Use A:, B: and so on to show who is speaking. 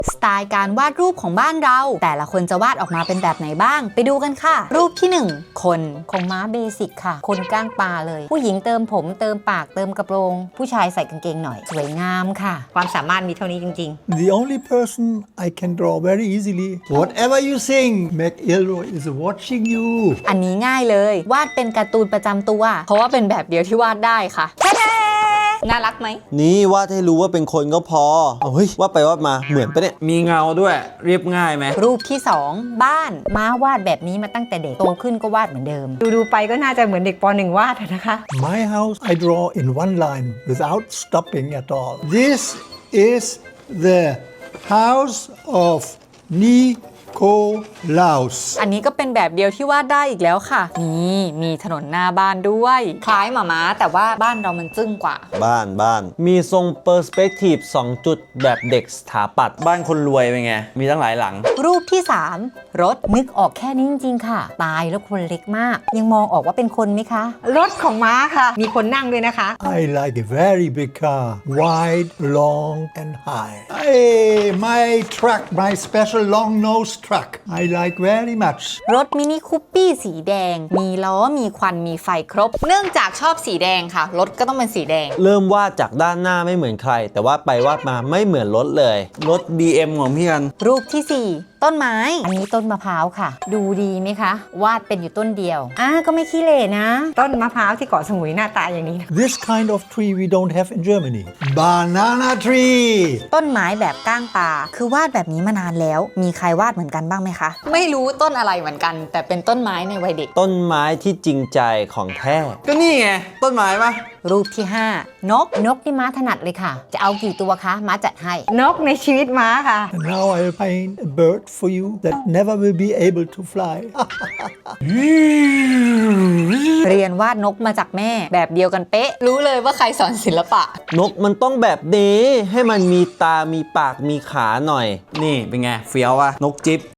A: สไตล์การวาดรูปของบ้านเราแต่ละคนจะวาดออกมาเป็นแบบไหนบ้างไปดูกันค่ะรูปที่1คนของม้าเบสิกค่ะคนก้างปลาเลยผู้หญิงเติมผมเติมปากเติมกระโปรงผู้ชายใส่กางเกงหน่อยสวยงามค่ะความสามารถมีเท่านี้จริง
B: The only person I can draw very easily. Whatever you sing, McIlroy is watching you.
A: ๆอันนี้ง่ายเลยวาดเป็นการ์ตูนประจำตัวเพราะว่าเป็นแบบเดียวที่วาดได้ค่ะน่ารักไหม
C: นี่วาดให้รู้ว่าเป็นคนก็พอเฮ้ยวาดไปวาดมาเหมือนปะเนี่ย
D: มีเงาด้วยเรียบง่ายไหม
A: รูปที่2บ้านม้าวาดแบบนี้มาตั้งแต่เด็กโตขึ้นก็วาดเหมือนเดิมดูไปก็น่าจะเหมือนเด็กป .1 วาดนะคะ
B: My house, I draw in one line without stopping at all. This is the house of Nikolaus.
A: อันนี้ก็เป็นแบบเดียวที่วาดได้อีกแล้วค่ะนี่มีถนนหน้าบ้านด้วยคล้ายหมาม้าแต่ว่าบ้านเรามันจึ้งกว่า
C: บ้านมีทรงเปอร์สเปกทีฟ2จุดแบบเด็กสถาปัตย์
D: บ้านคนรวยเป็นไงมีตั้งหลายหลัง
A: รูปที่3รถนึกออกแค่นี้จริงๆค่ะตายแล้วคนเล็กมากยังมองออกว่าเป็นคนไหมคะรถของม้าค่ะมีคนนั่งด้วยนะคะ
B: I like a very big car, wide, long, and high. Hey, my truck, my special long-nosed truck, I like very much.
A: รถมินิคูปปี้สีแดงมีล้อมีควันมีไฟครบ เนื่องจากชอบสีแดงค่ะรถก็ต้องเป็นสีแดง
C: เริ่มวาดจากด้านหน้าไม่เหมือนใคร แต่วาดไปวาดมาไม่เหมือนรถเลย
D: รถ BM ของพี่กัน
A: รูปที่4ต้นไม้อันนี้ต้นมะพร้าวค่ะ ดูดีไหมคะ วาดเป็นอยู่ต้นเดียวก็ไม่ขี้เหร่นะ ต้นมะพร้าวที่เกาะสมุยหน้าตาอย่างนี้
B: This kind of tree we don't have in Germany. Banana tree.
A: ต้นไม้แบบก้างปลาคือวาดแบบนี้มานานแล้ว มีใครวาดเหมือนกันบ้างไหมคะ ไม่รู้ต้นอะไรเหมือนกัน แต่เป็นต้นไม้ในวัยเด็ก
C: ต้นไม้ที่จริงใจของแท้
D: ก็นี่ไงต้นไม้ปะ
A: รูปที่5นกนี่ม้าถนัดเลยค่ะ จะเอากี่ตัวคะม้าจัดให้ นกในชีวิตม้าค่ะ
B: And now I'll paint a bird for you that never will be able to fly.
A: เรียนวาดนกมาจากแม่ แบบเดียวกันเป๊ะ รู้เลยว่าใครสอนศิลปะ
C: นกมันต้องแบบนี้ให้มันมีตามีปากมีขาหน่อย
D: นี่เป็นไงเฟี้ยววะนกจิ๊บ